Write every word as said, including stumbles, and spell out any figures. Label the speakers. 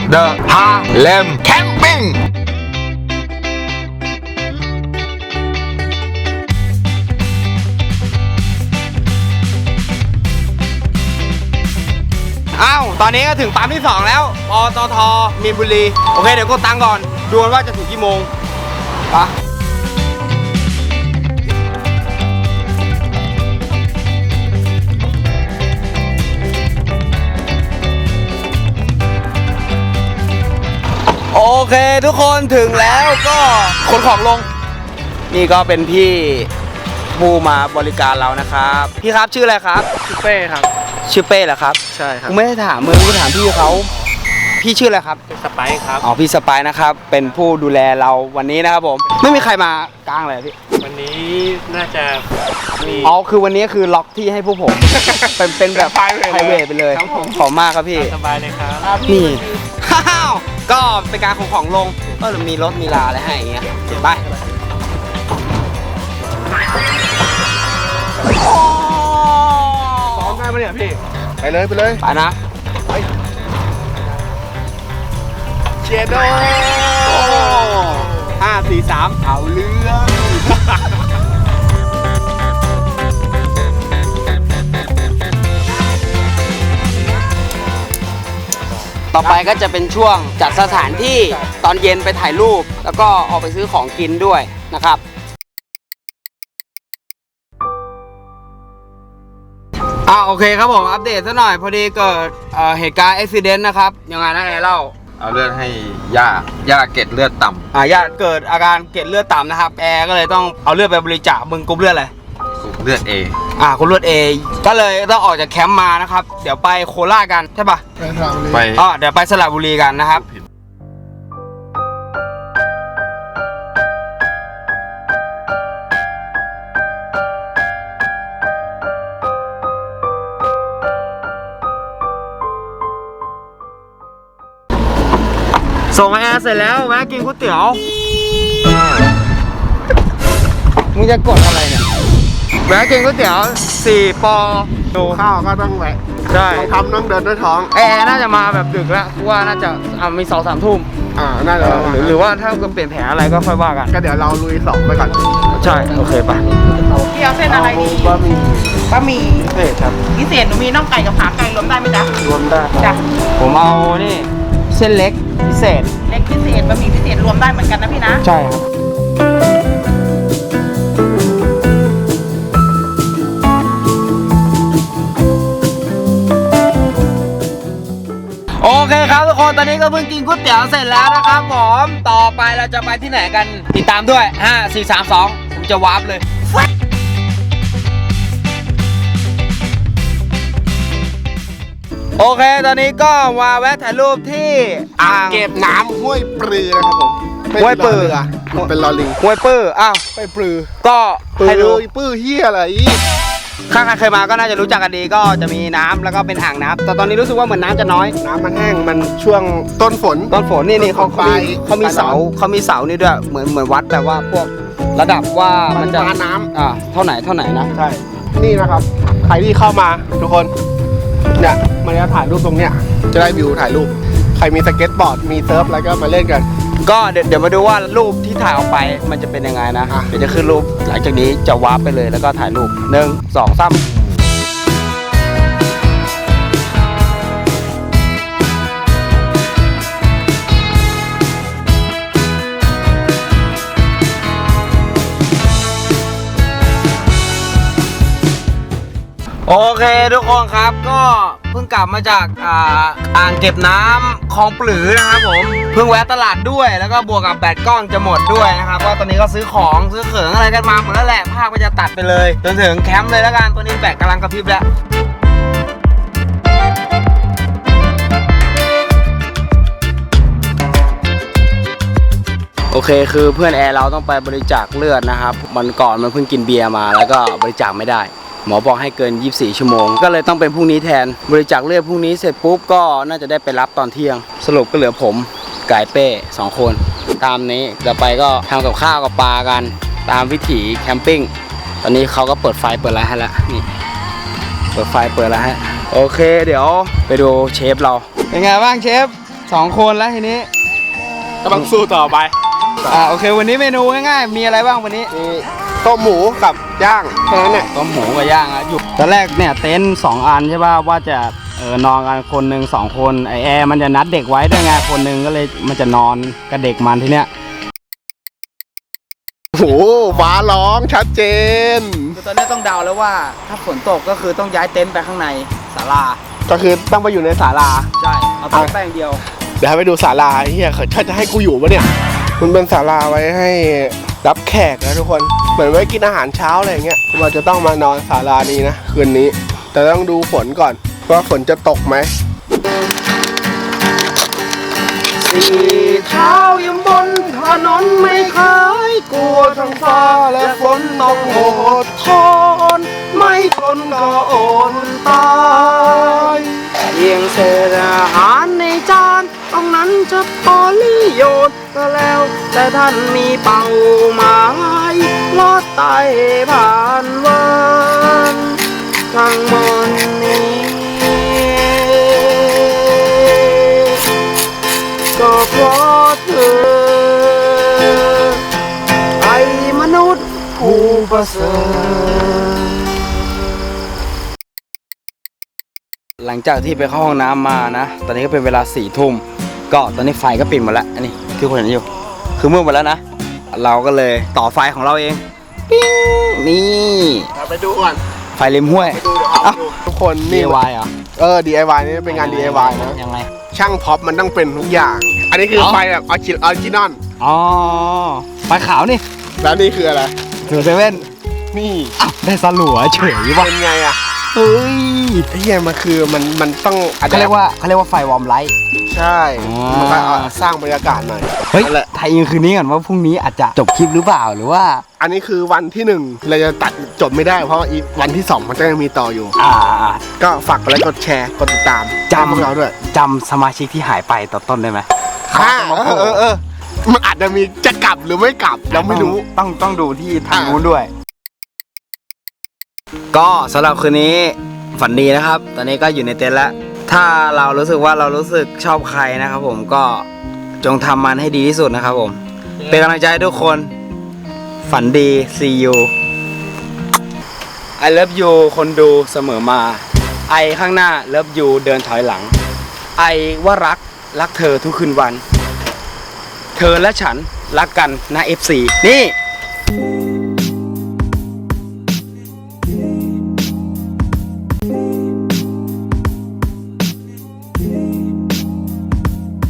Speaker 1: The Harlem Campingอ้าวตอนนี้ก็ถึงปั๊มที่สองแล้วปตท.มีนบุรีโอเคเดี๋ยวกดตังค์ก่อนดูว่าจะถึงกี่โมงปะโอเคทุกคนถึงแล้วก็ขนของลงนี่ก็เป็นพี่ผู้มาบริการเรานะครับพี่ครับชื่ออะไรครับชื่อเป้ครับชื่อเป้เหรอครับใช่ครับกูไม่ได้ถามมึงกูถามพี่เขาพี่ชื่ออะไรครับสไปซ์ครับอ๋อพี่สไปซ์นะครับเป็นผู้ดูแลเราวันนี้นะครับผมไม่มีใครมากลางเลยพี่
Speaker 2: วันนี้น่าจะมี
Speaker 1: อ๋อคือวันนี้คือล็อกที่ให้พวกผมเป็นเป็นแบบไพรเวทไปเลยขอบมากครับพี่
Speaker 2: สบายเลยครับ
Speaker 1: นี่ฮ่าวก็เป็นการของของลงก็มีรถมีลาอะไรให้อย่างเงี้ยไป
Speaker 2: ซ้อมได้ไหมเนี่ยพี่ไปเลยไปเลย
Speaker 1: ไปนะ
Speaker 2: ไปเจโด
Speaker 1: ห้าสี่สามเอาเรื่องต่อไปก็จะเป็นช่วงจัดสถานที่ตอนเย็นไปถ่ายรูปแล้วก็ออกไปซื้อของกินด้วยนะครับอ่าโอเคครับผมอัปเดตซะหน่อยพอดีเกิดเหตุการณ์อุบัติเหตุนะครับยังไงนะแอร์เล่า
Speaker 3: เอาเลือดให้ย่าย่าเกล็ดเลือดต่ำ
Speaker 1: อ่าย่าเกิดอาการเกล็ดเลือดต่ำนะครับแอร์ก็เลยต้องเอาเลือดไปบริจาคมึงกรุ๊ปเลือดอะไร
Speaker 3: กรุ๊ปเลือด A
Speaker 1: อ่ากรุ๊ปเลือด A ก็เลยต้องออกจากแคมป์มานะครับเดี๋ยวไปโคราชกันใช่ปะไปอ๋อเดี๋ยวไปสระบุรีกันนะครับส่งแอร์เสร็จแล้วแวะกินก๋วยเตี๋ยวมึงจะกดอะไรเนี่ยแวะกินก๋วยเตี๋ยวสี่ปอ
Speaker 2: ดูข้าวก็ต้องแวะ
Speaker 1: ใช่
Speaker 2: ทำต้องเดินด้วยท้อง
Speaker 1: แอร์น่าจะมาแบบดึกแล้วกูว่าน่าจะอ่ามีสองสามทุ่ม
Speaker 2: อ่าน่าจะ
Speaker 1: หรือหรือว่าถ้าเปลี่ยนแผนอะไรก็ค่อยว่ากัน
Speaker 2: ก็เดี๋ยวเราลุยสองไปก่อน
Speaker 1: ใช่โอเคป่ะ
Speaker 4: พี่เอาเส้นอะไรดีบะหมี่บะหมี่พิเศษครับพิเศษหนูมีน่องไก่กับขาไก่รวมได้ไหมจ๊ะ
Speaker 1: รวมได้
Speaker 4: จ้ะ
Speaker 1: ผมเอานี่เส้นเล็กพิเศษ
Speaker 4: เล็กพิเศษบะหมี่พิเศษรวมได้เหมือนกันนะพี่นะ
Speaker 1: ใช่ครับโอเคครับทุกคนตอนนี้ก็เพิ่งกินก๋วยเตี๋ยวเสร็จแล้วนะครับผมต่อไปเราจะไปที่ไหนกันติดตามด้วยห้า สี่ สาม สองผมจะวาร์ปเลยโอเคตอนนี้ก็มาแวะถ่ายรูปที่
Speaker 2: อ่างเก็บน้ำห้วยปลือนะครับผม
Speaker 1: ห้วยปลือ
Speaker 2: เป็นลอลิง
Speaker 1: ห้วยปลืออ้าว
Speaker 2: ห้วยปลือ
Speaker 1: ก็ให้ดู
Speaker 2: ปื้อเฮียอะไร
Speaker 1: ข้างใครมาก็น่าจะรู้จักกันดีก็จะมีน้ำแล้วก็เป็นอ่างน้ำแต่ตอนนี้รู้สึกว่าเหมือนน้ำจะน้อย
Speaker 2: น้ำมันแห้งมันช่วงต้นฝน
Speaker 1: ต้นฝนนี่นี่เขาเขามีเขามีเสาเขามีเสานี่ด้วยเหมือนเหมือนวัดแบบว่าพวกระดับว่ามันจะ
Speaker 2: น้ำ
Speaker 1: อ่าเท่าไหนเท่าไหนนะ
Speaker 2: ใช่นี่นะครับใครที่เข้ามาทุกคนเนี่ยมันจะถ่ายรูปตรงเนี้ยจะได้วิวถ่ายรูปใครมีสเก็ตบอร์ดมีเซิร์ฟอะไรก็มาเล่นกัน
Speaker 1: ก็เดี๋ยวเดี๋ยวมาดูว่ารูปที่ถ่ายออกไปมันจะเป็นยังไงนะเดี๋ยวจะขึ้นรูปหลังจากนี้จะวาร์ปไปเลยแล้วก็ถ่ายรูปหนึ่งสองสามโอเคทุกคนครับก็เพิ่งกลับมาจากอ่าอ่างเก็บน้ำคลองปลือนะครับผมเพิ่งแวะตลาดด้วยแล้วก็บวกกับแบตกล้องจะหมดด้วยนะครับก็ตอนนี้ก็ซื้อของซื้อเขิงอะไรกันมาหมดแล้วแหละภาพก็จะตัดไปเลยจนถึงแคมป์เลยแล้วกันตัวนี้แบตกำลังกระพริบแล้วโอเคคือเพื่อนแอร์เราต้องไปบริจาคเลือดนะครับมันก่อนมันเพิ่งกินเบียร์มาแล้วก็บริจาคไม่ได้หมอบอกให้เกินยี่สิบสี่ชั่วโมงก็เลยต้องเป็นพรุ่งนี้แทนบริจาคเลือดพรุ่งนี้เสร็จปุ๊บก็น่าจะได้ไปรับตอนเที่ยงสรุปก็เหลือผมไก่เป้สองคนตามนี้เดี๋ยวไปก็ทำกับข้าวกับปลากันตามวิถีแคมปิ้งตอนนี้เขาก็เปิดไฟเปิดอะไรให้แล้วนี่เปิดไฟเปิดอะไรให้โอเคเดี๋ยวไปดูเชฟเราเป็นไงบ้างเชฟสองคนแล้วทีนี้
Speaker 2: ก็ต้องสู้ต่อไป
Speaker 1: อ่าโอเควันนี้เมนูง่ายๆมีอะไรบ้างวันนี้
Speaker 2: มีต้มหมูกับย่างแค่นั้นแหละ
Speaker 1: ต้มหมูกับย่างอ่ะอยู่ตอนแรกเนี่ยเต็นท์สองอันใช่ป่ะว่าจะเออนอนกันคนหนึ่งสองคนไอแอร์มันจะนัดเด็กไว้ด้วยไงคนหนึ่งก็เลยมันจะนอนกับเด็กมันทีเนี้ย
Speaker 2: โอ้โหฟ้าร้องชัดเจน
Speaker 1: คือตอนนี้ต้องเดาแล้วว่าถ้าฝนตกก็คือต้องย้ายเต็นท์ไปข้างในศาลา
Speaker 2: ก็คือต้องไปอยู่ในศาลา
Speaker 1: ใช่เอาตั้งแป้งเดียว
Speaker 2: เดี๋ยวให้ไปดูศาลาเฮียเขาจะให้กูอยู่ปะเนี่ยมันเป็นศาลาไว้ให้รับแขกนะทุกคนเหมือนไว้กินอาหารเช้าอะไรอย่างเงี้ยเราจะต้องมานอนศาลานี้นะคืนนี้ แต่ต้องดูฝนก่อนว่าฝนจะตกไหม
Speaker 1: สีเท้ายังบนถนนไม่เคยกลัวท้องฟ้าและฝนตกโหดทนไม่ทนก็อดตายเพียงเศษอาหารในจานตรงนั้นจะพอลิโยนก็แล้วแต่ท่านมีเป้าหมายลอดไต่ผ่านวันทั้งหมดนี้ก็เพราะเธอไอ้มนุษย์ผู้ประเสริฐหลังจากที่ไปเข้าห้องน้ำมานะตอนนี้ก็เป็นเวลาสี่ทุ่มก็ตอนนี้ไฟก็ปิดหมดแล้วอันนี้คือคนเห็นอยู่คือมืดหมดแล้วนะเราก็เลยต่อไฟของเราเองปิ้งนี่
Speaker 2: ไปดูก่อน
Speaker 1: ไฟริมห้วย
Speaker 2: ไปดูเดี๋ยวเอาไปดูทุกคนนี่
Speaker 1: ดี ไอ วาย เหรอ
Speaker 2: เออ ดี ไอ วาย นี่เป็นงาน ดี ไอ วาย นะ
Speaker 1: ยังไง
Speaker 2: ช่างพ็อปมันต้องเป็นทุกอย่าง อันนี้คือ
Speaker 1: อ๋อ
Speaker 2: ไฟแบบออริจินอล
Speaker 1: อ๋อไฟขาวนี่
Speaker 2: แล้วนี่คืออะไร
Speaker 1: ถึงเซเว่น
Speaker 2: นี่
Speaker 1: อ้าวได้สลัวเฉยว่ะ
Speaker 2: เป็นไงอ่ะ
Speaker 1: เฮ้ย
Speaker 2: ไอ้เหี้ยมันคือมันมันต้องอะ
Speaker 1: เขาเรียกว่าเขาเรียกว่าไฟวอร์มไลท์
Speaker 2: ใช่
Speaker 1: อ๋อ
Speaker 2: มันก็เอาสร้างบรรยากาศหน่อย
Speaker 1: เฮ้ย
Speaker 2: นั่นแหละ
Speaker 1: ไทยอินคืนนี้ก่อนว่าพรุ่งนี้อาจจะจบคลิปหรือเปล่าหรือว่า
Speaker 2: อันนี้คือวันที่หนึ่งเราจะตัดจบไม่ได้เพราะว่าอีกวันที่สองมันจะยังมีต่ออยู่
Speaker 1: อ่า
Speaker 2: ก็ฝากกดไลค์กดแชร์กดติดตาม
Speaker 1: จำ
Speaker 2: ให้พวกเราด้วย
Speaker 1: จำสมาชิกที่หายไปตอนต้นได้ไหม
Speaker 2: อ่าเออเออเออมันอาจจะมีจะกลับหรือไม่กลับเราไม่รู้
Speaker 1: ต้องต้องดูที่ทาง
Speaker 2: อ่า
Speaker 1: นู้นด้วย ก็สำหรับคืนนี้ฝันดีนะครับ ตอนนี้ก็อยู่ในเต็นท์แล้ว ถ้าเรารู้สึกว่าเรารู้สึกชอบใครนะครับผมก็จงทำมันให้ดีที่สุดนะครับผม เป็นกำลังใจให้ทุกคน ฝันดี see you I love you คนดูเสมอมา ไอข้างหน้า love you เดินถอยหลัง ไอว่ารักรักเธอทุกคืนวัน เธอและฉันรักกันนะ เอฟ ซี นี่